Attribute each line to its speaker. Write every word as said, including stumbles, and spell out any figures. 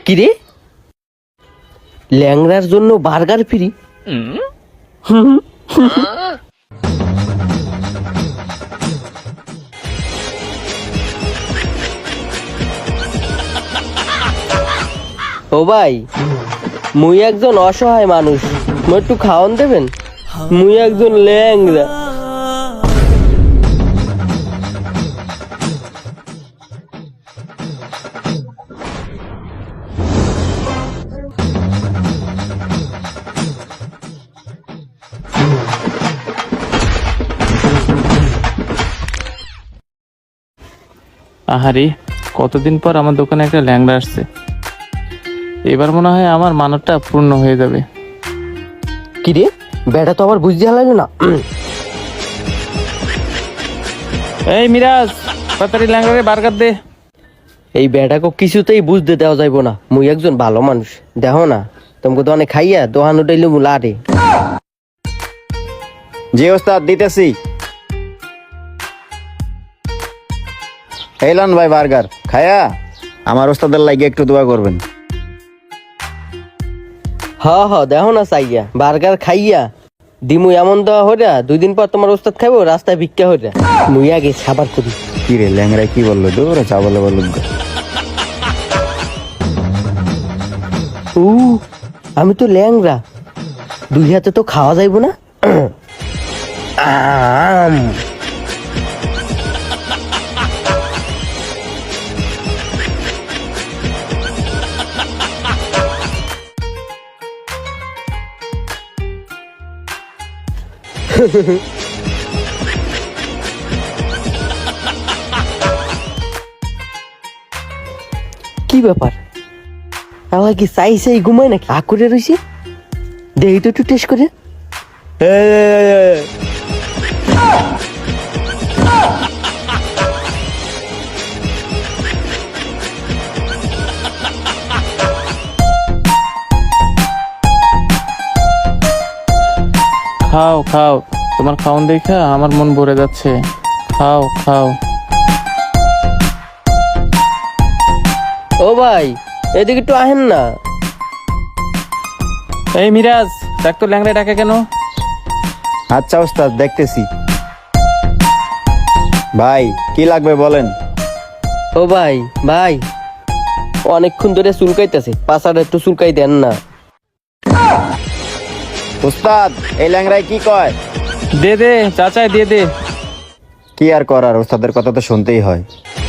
Speaker 1: কিরে, ল্যাংড়ার জন্য burger free? ও ভাই, মুই একজন অসহায় মানুষ, মুই একটু খাওয়ান দেবেন? মুই একজন ল্যাংড়া।
Speaker 2: আহারে, কতদিন পর আমার দোকানে একটা ল্যাংড়া আসছে। এবার মনে হয় আমার মানবটা পূর্ণ হয়ে যাবে।
Speaker 1: কিরে, বেটা তো আবার বুঝতে হারাইল না।
Speaker 2: এই মিরাজ, তাড়াতাড়ি ল্যাংড়ারে বার্গার দে।
Speaker 1: এই বেটাকে কিছুতেই বুঝতে দেওয়া যাইব না, মুই একজন ভালো মানুষ। দেখো না, তোমাকে তো অনেক খাইয়া দোহান উঠাইলে মু লারে।
Speaker 3: জি ওস্তাদ, দিতেছি। এলান ভাই বার্গার খায়া আমার ওস্তাদের লাগে একটু দোয়া করবেন।
Speaker 1: হ হ, দেখো না চাইয়া বার্গার খাইয়া দিমু এমন দেওয়া হইরা দুই দিন পর তোমার ওস্তাদ খাইবো রাস্তায় ভিক্ষা হইরা। মুই আগে সাবার করি।
Speaker 3: কি রে, ল্যাংরা কি বললো? দৌড়া চা বলে বললো।
Speaker 1: উ আমি তো ল্যাংরা, দুই হাতে তো খাওয়া যাইব না। আম কি ব্যাপার, আমার কি চাই চাই ঘুমায় নাকি? আ করে রয়েছে, দেহি তো একটু টেস্ট করে।
Speaker 2: খাও খাও, তোমার খাওন দেখা আমার মন ভরে যাচ্ছে। খাও খাও।
Speaker 1: ও ভাই, এদিকে একটু আহেন না।
Speaker 2: এই মিরাজ, দেখ তো ল্যাংড়া ডাকে কেন?
Speaker 3: আচ্ছা ওস্তাদ, দেখতেছি। ভাই কি লাগবে বলেন।
Speaker 1: ও ভাই ভাই, অনেকক্ষণ ধরে চুলকাইতেছে, পাছাটা একটু চুলকাই দেন না।
Speaker 3: ওস্তাদ, এই ল্যাংরায় কি কয়?
Speaker 2: দে দে চাচাই, দিয়ে দে।
Speaker 3: কি আর করার, ওস্তাদের কথা তো শুনতেই হয়।